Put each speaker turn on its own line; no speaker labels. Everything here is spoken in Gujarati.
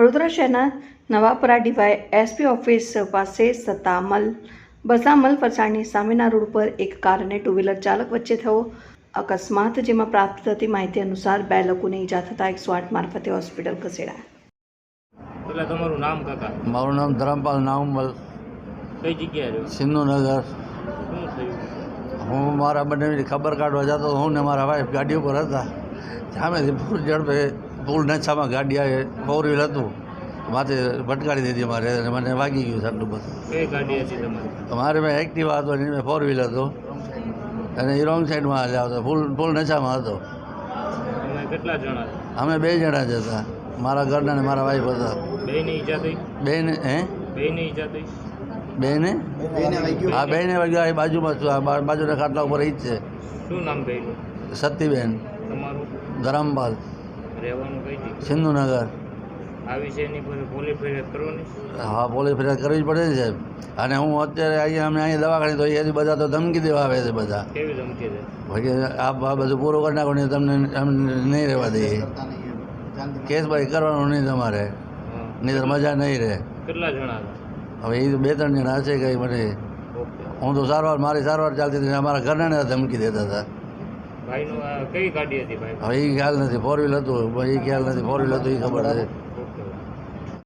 વડોદરા શહેરના નવાપરા ડીવાય એસપી ઓફિસ પાસે બસામલ ફરસાણની સામેના રોડ પર એક કાર અને ટુ વ્હીલર ચાલક વચ્ચે થયો અકસ્માત, જેમાં પ્રાપ્ત થતી માહિતી અનુસાર 2 લોકોને ઈજા થતાં 108 મારફતે હોસ્પિટલ ખસેડાયા.
એટલે તમારું નામ કાકા?
મારું નામ ધરમપાલ નામવલ,
કઈ જગ્યાએ રહ્યો?
સિંધુનગર.
શું થયું?
હું મારા બંને ખબર કાઢવા જતો, હું ને મારા વાઈફ ગાડી ઉપર હતા. સામેથી ફૂલ ઝડપે ફૂલ નશામાં ગાડી આવે, 4 વ્હીલ હતું, માથે ભટકાડી દીધી મારે અને મને વાગી ગયું સાટલું બધું.
કઈ ગાડી હતી તમારી?
મારે મેં એક્ટિવા હતો અને 4 વ્હીલ હતો અને એ રોંગ સાઈડમાં હાલ્યા હતો, ફૂલ નશામાં હતો.
તમે કેટલા જણા?
અમે 2 જણા જ હતા, મારા ઘરના અને મારા વાઈફ હતા.
બેને ઈજા થઈ?
બેને
બેને ઈજા થઈ?
બેને હા, બેને વાગ્યા. એ બાજુમાં છું, આ બાજુના ખાટલા ઉપર એ જ છે.
શું નામ બેનું?
સતીબેન.
તમારું?
ધરમપાલ.
રહેવાનું કઈ જગ્યાએ?
સિંધુનગર.
આ વિષયની કોઈ પોલીસ ફરિયાદ કરવાની?
હા, પોલીસ ફરિયાદ કરવી જ પડે ને સાહેબ. અને હું અત્યારે અહીંયા દવાખાને તો અહીંયાથી બધા તો ધમકી દેવા આવે છે બધા.
કેવી ધમકી દે?
ભાઈ આ બધું પૂરું કરી નાખો ને તમને એમ નહીં રહેવા દઈએ. કેસ ભાઈ કરવાનું નહીં તમારે, નહીં તો મજા નહીં રહે.
કેટલા જણા હતા?
હવે એ 2-3 જણા હશે કંઈ. મને હું તો મારી સારવાર ચાલતી હતી, અમારા ઘરના ધમકી દેતા હતા.
ભાઈનું કઈ ગાડી હતી ભાઈ?
હવે એ ખ્યાલ નથી, 4 વ્હીલ હતું, એ ખ્યાલ નથી, 4 વ્હીલ હતું એ ખબર છે.